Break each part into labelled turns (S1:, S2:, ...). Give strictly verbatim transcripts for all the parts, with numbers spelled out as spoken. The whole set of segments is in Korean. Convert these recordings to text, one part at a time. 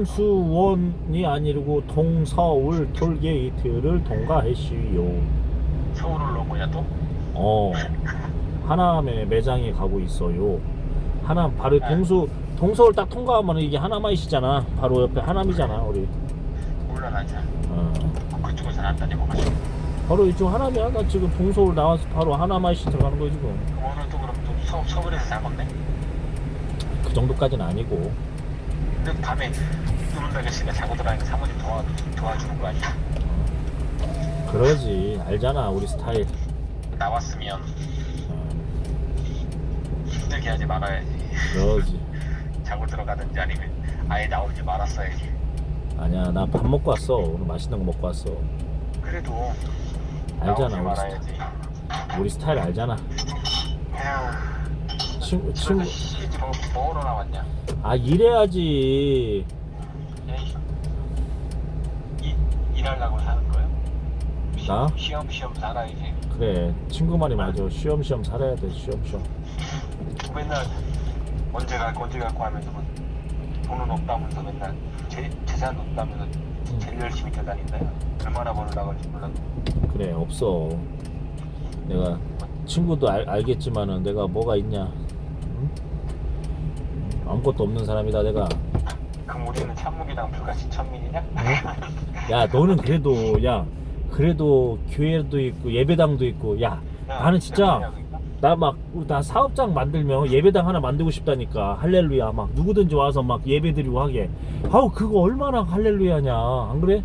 S1: 동수원이 아니고 동서울 톨게이트를 통과했시요.
S2: 서울을 놓은 거냐 또?
S1: 어, 하남에 매장에 가고 있어요. 하남 바로 동수 동서울 딱 통과하면 이게 하남아이시잖아. 바로 옆에 하남이잖아 우리.
S2: 몰라 난 잘.
S1: 어.
S2: 그쪽에서는 안 다녀봐가지고.
S1: 바로 이쪽 하남이야. 나 지금 동서울 나와서 바로 하남아이시 들어가는 거지 지금.
S2: 그럼 오늘 또 그럼 또 서, 서울에서 살 건데?
S1: 그 정도까지는 아니고.
S2: 근데 밤에 눈을 달렸으니까 자고 들어가니까 사모님 도와, 도와주는 거 아니야?
S1: 그러지. 알잖아 우리 스타일.
S2: 나왔으면
S1: 어,
S2: 힘들게 하지 말아야지.
S1: 그러지.
S2: 자고 들어가든지 아니면 아예 나오지 말았어야지.
S1: 아니야 나 밥 먹고 왔어. 오늘 맛있는 거 먹고 왔어.
S2: 그래도
S1: 알잖아
S2: 나오지
S1: 우리,
S2: 말아야지.
S1: 스타, 우리 스타일 알잖아.
S2: 에휴,
S1: 친구 친구.
S2: 그래서 시지 뭐 뭐로 나왔냐?
S1: 아 일해야지.
S2: 에이, 이 일하려고 사는 거야?
S1: 나?
S2: 시험 시험 살아야지.
S1: 그래 친구 말이 맞아. 쉬엄쉬엄 살아야 돼. 쉬엄쉬엄.
S2: 맨날 언제 갈거 언제 갈거 하면서 뭐 돈은 없다면서 맨날 재, 재산 없다면서 제일 열심히 뛰어다닌다요. 얼마나 벌어 나갈지 몰라도.
S1: 그래 없어. 내가 친구도 알, 알겠지만은 내가 뭐가 있냐. 응? 아무것도 없는 사람이다 내가.
S2: 그럼 우리는 참묵이랑 불같이 천민이냐?
S1: 어? 야 너는 그래도 야 그래도 교회도 있고 예배당도 있고 야 나는 진짜 나 막 나 사업장 만들면 예배당 하나 만들고 싶다니까. 할렐루야 막 누구든지 와서 막 예배 드리고 하게. 아우 그거 얼마나 할렐루야냐 안 그래?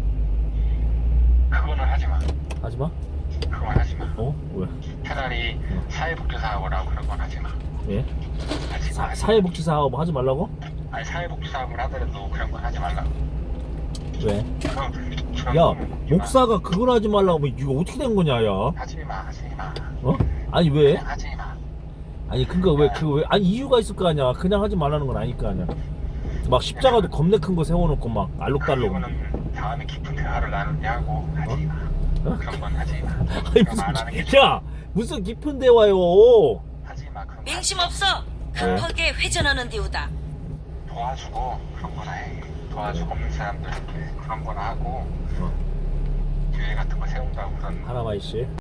S2: 그거는 하지마.
S1: 하지마.
S2: 그건 하지마.
S1: 어? 왜?
S2: 차라리 사회복지사업을 하고 그런 건 하지마.
S1: 예?
S2: 하지마.
S1: 사, 사회복지 사업 하지 말라고?
S2: 아니 사회복지사업을 하더라도 그런 건 하지 말라고.
S1: 왜?
S2: 그럼 그런
S1: 야
S2: 거는 하지 마.
S1: 목사가 그걸 하지 말라고 하면 이거 어떻게 된 거냐 야?
S2: 하지마 하지마.
S1: 어? 아니 왜?
S2: 그냥 하지마.
S1: 아니 그니까 왜 그 왜 아니 이유가 있을 거 아니야. 그냥 하지 말라는 건 아닐 거 아니야. 막 십자가도 겁내 큰 거 세워놓고 막 알록달록.
S2: 그거는 다음에 깊은 대화를 나누냐고 하지마.
S1: 어?
S2: 그런 건 하지마.
S1: 아니
S2: 그럼 안 하는 게
S1: 무슨 야 무슨 깊은 대화요?
S2: 하지마. 그럼
S3: 맹심 없어.
S1: 왜?
S3: 급하게 회전하는 디우다.
S2: 도와주고 그런 거나 해. 도와주고 없는 사람들 그런 거나 하고
S1: 어.
S2: 교회 같은 거 세운다고 그런
S1: 하나마이 씨.